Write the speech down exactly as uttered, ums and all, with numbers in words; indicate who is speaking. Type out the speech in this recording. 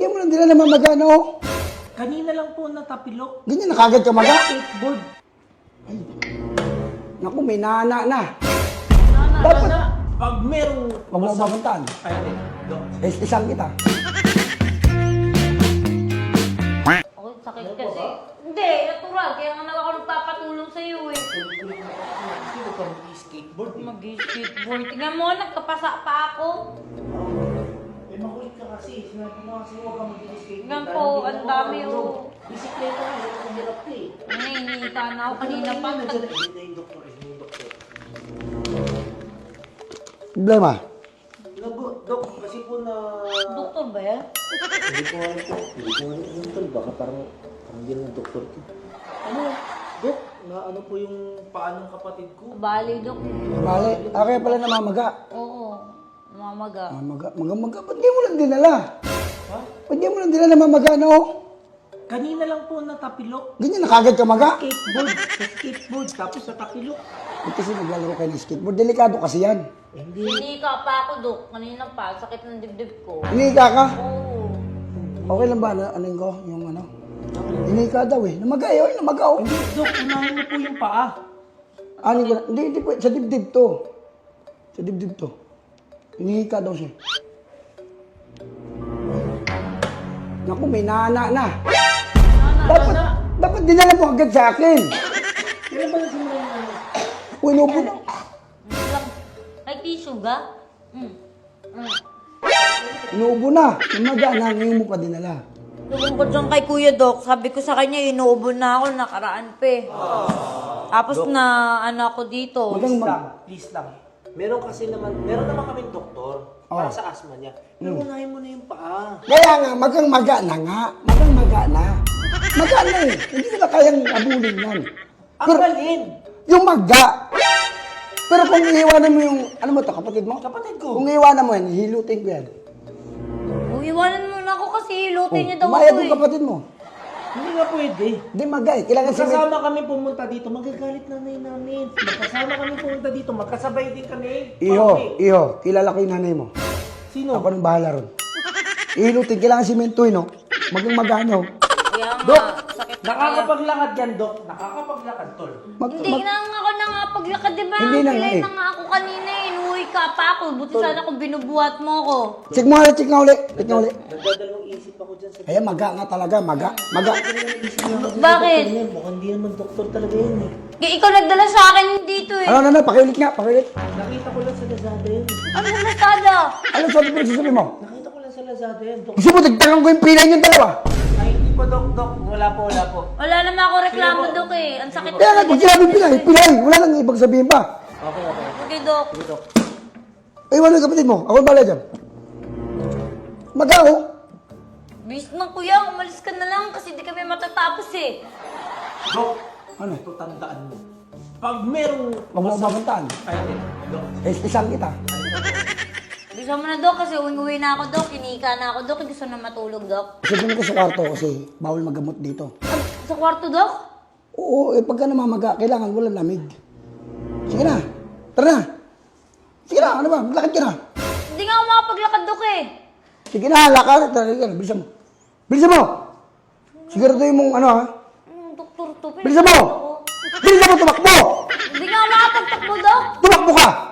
Speaker 1: di mo lang din na namamaga, no?
Speaker 2: Kanina lang po natapilok.
Speaker 1: Ganyan na kagad ka maga?
Speaker 2: Skateboard.
Speaker 1: Ay. Naku, may nana na.
Speaker 2: Nana,
Speaker 1: Dapat-
Speaker 2: nana. Pag merong...
Speaker 1: Huwag mo mabantaan.
Speaker 2: Ay, ay, Dok.
Speaker 1: Is isang kita.
Speaker 3: Ako, sakit kasi. Hindi, natural. Kaya nga nag ako nagpapatulong sa'yo eh.
Speaker 2: Sino ka mag-skateboard eh?
Speaker 3: Mag-skateboard. Tingnan mo, nagkapasa pa ako.
Speaker 2: Eh, makulit ka kasi. Sinabi mo kasi huwag ka mag-skateboard.
Speaker 3: Tingnan po, ang dami oh.
Speaker 2: Bisikleta ka, hirap ang hirap ka eh.
Speaker 3: Nanginita na ako kanina pa.
Speaker 2: Nandiyan na yun na yung doktor, yun na yung doktor.
Speaker 1: Problema.
Speaker 2: Nago, Dok, kasi po na...
Speaker 3: Doktor ba yan?
Speaker 2: Hindi ko alam po. Hindi ko alam yung tol. Baka parang... Parang din ng doktor ko. Ano? Dok, na ano po yung paa ng kapatid ko?
Speaker 3: Bali, Dok.
Speaker 1: Bale, ah, kaya pala namamaga.
Speaker 3: Oo. Mamaga.
Speaker 1: Mamaga, maga-maga. Ba't di mo lang dinala?
Speaker 2: Ha?
Speaker 1: Ba't di mo lang dinala namamaga, no?
Speaker 2: Kanina lang po natapilok.
Speaker 1: Ganyan na kagad ka maga?
Speaker 2: Skateboard. Sa skateboard. Tapos natapilok.
Speaker 1: Ba't kasi naglalaro kayo ng skateboard? Delikado kasi yan.
Speaker 2: Eh, hindi.
Speaker 3: Hindi ka pa ako, Dok. Kanina pa. Sakit ng dibdib ko.
Speaker 1: Inika ka?
Speaker 3: Oo.
Speaker 1: Okay lang ba? Ano, ano ko? Yung ano? Inika daw eh. Namaga eh. Oy, namaga oh.
Speaker 2: Hindi, Dok. Unahin mo po yung paa.
Speaker 1: Ano ko? Hindi, hindi po. Sa dibdib to. Sa dibdib to. Inika daw siya. Naku, may nana na.
Speaker 3: Nana,
Speaker 1: Dapat,
Speaker 3: nana.
Speaker 1: dapat dinala mo agad sa akin.
Speaker 2: Kailan ba nagsimula yung ano?
Speaker 1: Uy, inupo na.
Speaker 3: Lang. Ay, tissue ga? Mm. Mm.
Speaker 1: Inuubo na. Namaga na. Ngayon mo pa dinala.
Speaker 3: Lumungkot dyan kay Kuya Doc. Sabi ko sa kanya, inuubo na ako, nakaraan pa eh. Tapos na, ano ako dito.
Speaker 1: Magang
Speaker 2: Please
Speaker 1: mag...
Speaker 2: lang. Please lang. Meron kasi naman, meron naman kaming doktor para
Speaker 1: Oh.
Speaker 2: sa asthma niya. Pero unahin mo na yung paa.
Speaker 1: Kaya nga, magang maga na nga. Magang maga na. Maga na eh. Hindi ko na kayang abulin yan.
Speaker 2: Ang
Speaker 1: Pero,
Speaker 2: balin!
Speaker 1: yung maga. Pero kung iiwanan mo yung, ano mo to, kapatid mo?
Speaker 2: Kapatid ko.
Speaker 1: Kung iiwanan mo yan, hilutin ko yan.
Speaker 3: Uiwanan mo na ako kasi hilutin niya daw
Speaker 1: Umayad
Speaker 3: ako
Speaker 1: yung
Speaker 3: eh.
Speaker 1: kapatid mo.
Speaker 2: Hindi nga pwede.
Speaker 1: Hindi maga eh. Kailangan si
Speaker 2: Magkasama kami pumunta dito, magagalit nanay namin. Magkasama kami pumunta dito, magkasabay din kami.
Speaker 1: Iho,
Speaker 2: Papi.
Speaker 1: iho, kilala ko yung nanay mo.
Speaker 2: Sino?
Speaker 1: Ako nang bahala ron. Ihilutin, kailangan simentoy, no? Magang magano.
Speaker 3: Kaya nga,
Speaker 2: Dok,
Speaker 3: sakit na kaya.
Speaker 2: nakakapaglakad yan, Dok. Nakakapaglakad, tol.
Speaker 1: Mag,
Speaker 3: Hindi
Speaker 1: mag,
Speaker 3: na nga ako na nga paglakad, di ba?
Speaker 1: Hindi na nga
Speaker 3: Pilay
Speaker 1: eh.
Speaker 3: na nga ako kanina eh. Inuwi ka pa ako. Buti sana kung binubuhat mo ako.
Speaker 1: check mo nga, check nga uli. Check nga uli.
Speaker 2: Nagdadalawang isip ako dyan sa...
Speaker 1: Ayan, maga nga talaga, maga. Maga.
Speaker 3: Bakit?
Speaker 2: Mukhang hindi naman doktor talaga yun eh.
Speaker 3: Kaya ikaw nagdala sa akin dito eh.
Speaker 1: Ano, ano, ano, pakiulit nga, pakiulit.
Speaker 2: Nakita ko lang sa Lazada yun.
Speaker 3: Ano sa Lazada?
Speaker 1: Ano sabi mo, sasabi mo?
Speaker 2: Nakita ko lang sa Lazada yun, Dok.
Speaker 1: Gusto mo, dagdagan ko yung pinay yung dalawa.
Speaker 2: Ay, hindi po, Dok, Dok. Wala po, wala po.
Speaker 3: Wala naman ako reklamo, Dok eh. Ang sakit
Speaker 1: Kaya nga, pag sinabi pinay, pinay, wala nang ibang sabihin pa.
Speaker 2: Okay, okay.
Speaker 3: Okay, Dok.
Speaker 2: Sige, Dok.
Speaker 1: Ay, wala yung kapatid mo, ako bala dyan. Maga, oh.
Speaker 3: Bis na kuya, umalis ka na lang kasi di kami matatapos eh.
Speaker 2: Dok,
Speaker 1: Ano?
Speaker 2: ito tandaan mo. Pag merong...
Speaker 1: Huwag mo mabantaan.
Speaker 2: Ay, ay, Dok.
Speaker 1: Eh, isang kita.
Speaker 3: Bisa mo na, Dok, kasi uwi-uwi na ako, Dok. Kinika na ako, Dok. Gusto na matulog, Dok.
Speaker 1: Kasi doon ko sa kwarto kasi bawal magamot dito.
Speaker 3: Ah, sa kwarto, Dok?
Speaker 1: Oo, eh, pagka namamaga, kailangan walang lamig. Sige na, tara na. Sige na, ano ba, maglakad ka na.
Speaker 3: Hindi nga ako makapaglakad, Dok eh.
Speaker 1: Sige na, lakad. Tara, tara, bilisan mo. Bilisan mo! Siguraduhin mong ano ha.
Speaker 3: Hmm, doktor to.
Speaker 1: Bilisan mo! Bilisan mo, tumakbo!
Speaker 3: Hindi nga ako makapagtakbo, Dok.
Speaker 1: Tumakbo ka!